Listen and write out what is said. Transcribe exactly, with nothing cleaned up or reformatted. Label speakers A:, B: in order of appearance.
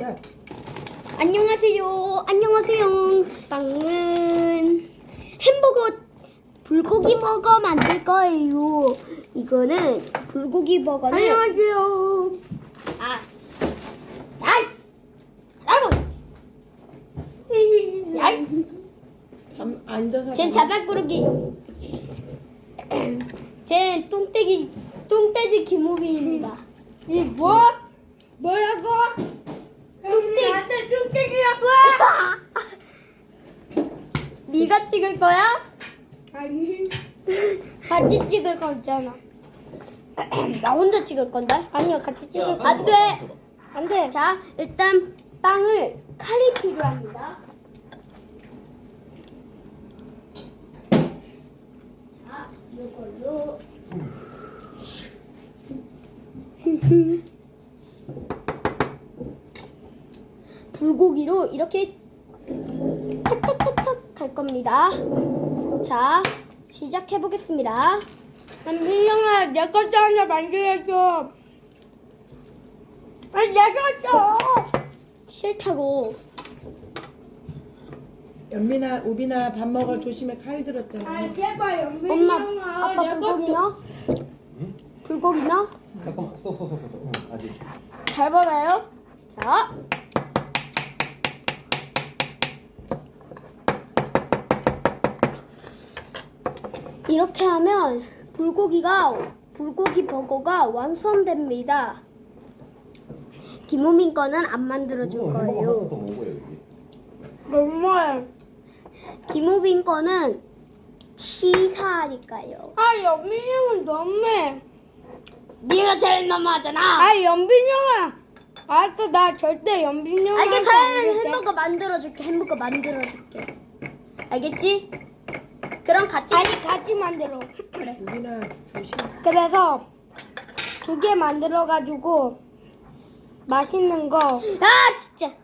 A: 시작.
B: 안녕하세요. 안녕하세요. 빵은 햄버거 불고기 버거 만들 거예요. 이거는 불고기 버거는 안녕하세요. 아, 아이, 라고. 아이,
A: 앉- 앉아서.
B: 쟨 자작구르기. 쟨 뚱떼기 뚱떼지 김우빈입니다. 이 뭐?
C: 뭐라고?
B: 뚱떼.
C: 나한테 뚱땡이라고?
B: 네가 찍을 거야?
C: 아니.
B: 같이 찍을 거잖아. 나 혼자 찍을 건데?
C: 아니요, 같이 찍을 거.
B: 안 돼.
C: 안 돼.
B: 자, 일단 빵을 칼이 필요합니다. 자, 이걸로 불고기로 이렇게 탁탁탁탁 갈 겁니다. 자, 시작해 보겠습니다.
C: 민영아, 내 것도 하나 만들어줘. 아니, 내 것도.
B: 싫다고.
A: 연민아, 우빈아 밥 먹어. 조심해. 칼 들었잖아.
C: 아, 제발, 연민아.
B: 엄마, 아빠
C: 내
B: 불고기
C: 것도.
B: 넣어? 불고기 넣어?
D: 잠깐만, 써, 써, 써, 써, 써. 응, 아직.
B: 잘 봐봐요. 자. 이렇게 하면 불고기가 불고기 버거가 완성됩니다. 김우민 거는 안 만들어 줄
D: 햄버거 하나
B: 거예요.
D: 더 먹어요, 여기.
C: 너무해.
B: 김우빈 거는 치사하니까요.
C: 아, 연민이 형은 너무해.
B: 네가 제일 너무하잖아.
C: 아, 연빈이 형아. 알았어, 나 절대 연빈이 형아.
B: 알겠어. 햄버거 만들어 줄게. 햄버거 만들어 줄게. 알겠지? 그럼 같이
C: 아니, 같이 만들어.
B: 그래.
A: 우빈아 조심.
C: 그래서 두 개 만들어가지고 맛있는 거.
B: 아 진짜